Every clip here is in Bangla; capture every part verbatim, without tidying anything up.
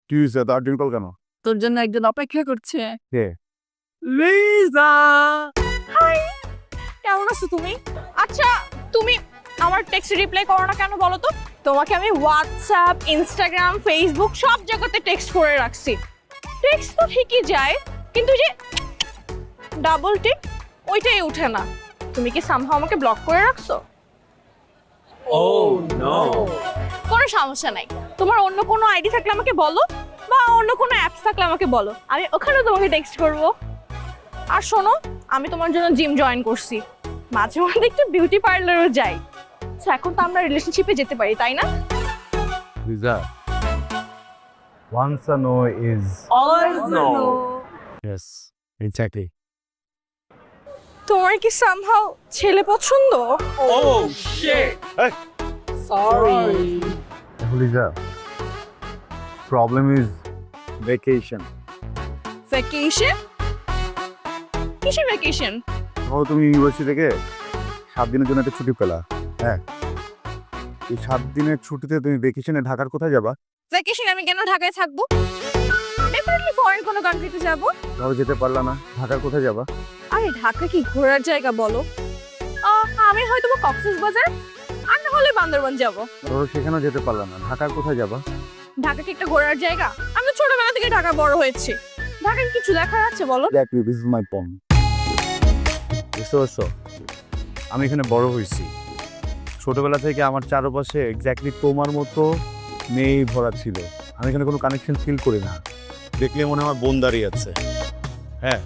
কি হয়েছে এত আর্জেন্ট কল কেন? তোর জন্য একজন অপেক্ষা করছে। কে? লিজা। হাই, কেমন আছো তুমি? আচ্ছা, তুমি আমার টেক্সট রিপ্লাই করো না কেন বলো তো? তোমাকে আমি হোয়াটসঅ্যাপ, ইনস্টাগ্রাম, ফেসবুক সব জায়গাতে টেক্সট করে রাখছি। টেক্সট তো ঠিকই যায়, কিন্তু যে ডাবল টিক ওইটাই ওঠে না। তুমি কি সামহাও আমাকে ব্লক করে রাখছো? Oh no! কোনো সমস্যা নাই, তোমার অন্য কোনো আইডি থাকলে আমাকে বলো, বা অন্য কোনো অ্যাপস থাকলে আমাকে বলো, আমি ওখানেও তোমাকে টেক্সট করব। আর শোনো, আমি তোমার জন্য জিম জয়েন করছি, মাঝে মধ্যে একটু বিউটি পার্লারও যাই। সো এখন তো আমরা রিলেশনশিপে যেতে পারি, তাই না? Liza, once a no is Always no. yes, exactly. তোমার কি সামহাও ছেলে পছন্দ? Oh shit! Sorry. Liza, problem is vacation. Vacation? কিসের ভ্যাকেশন? ধরো তুমি ইউনিভার্সিটি থেকে সাত দিনের জন্য একটা ছুটি পেলা, হ্যাঁ, এই সাত দিনের ছুটিতে তুমি ভ্যাকেশনে ঢাকার কোথায় যাবা? ভ্যাকেশন আমি কেন ঢাকায় থাকবো? ডেফিনেটলি ফরেন কোনো কান্ট্রিতে যাব। ধরো যেতে পারলা না, ঢাকার কোথায় যাবা? আরে ঢাকা কি ঘোরার জায়গা বলো? আহ, আমি হয়তো বা কক্সবাজার, আর না হলে বান্দরবান যাব। ধরো সেখানেও যেতে পারলা না, ঢাকার কোথায় যাবা? ঢাকা কি একটা ঘোরার জায়গা? আমি তো ছোটবেলা থেকে ঢাকা বড় হয়েছি, ঢাকায় কিছু দেখার আছে বলো? Exactly, this is my point. বুঝতে পারছো? আমি এখানে বড় হয়েছি, ছোটবেলা থেকে আমার চারপাশে এক্স্যাক্টলি তোমার মতো মেয়ে ভরা ছিল। আমি এখানে কোনো কানেকশন ফিল করি না, দেখলে মনে হয় আমার বোন দাঁড়িয়ে আছে। হ্যাঁ,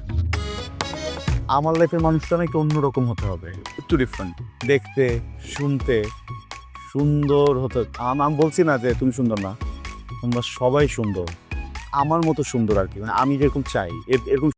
আমার লাইফের মানুষটা না একটু অন্যরকম হতে হবে, একটু ডিফারেন্ট দেখতে, শুনতে, সুন্দর হতে। আম- আমি বলছি না যে তুমি সুন্দর না, তোমরা সবাই সুন্দর, আমার মতো সুন্দর আর কি, মানে আমি যেরকম চাই এর- এরকম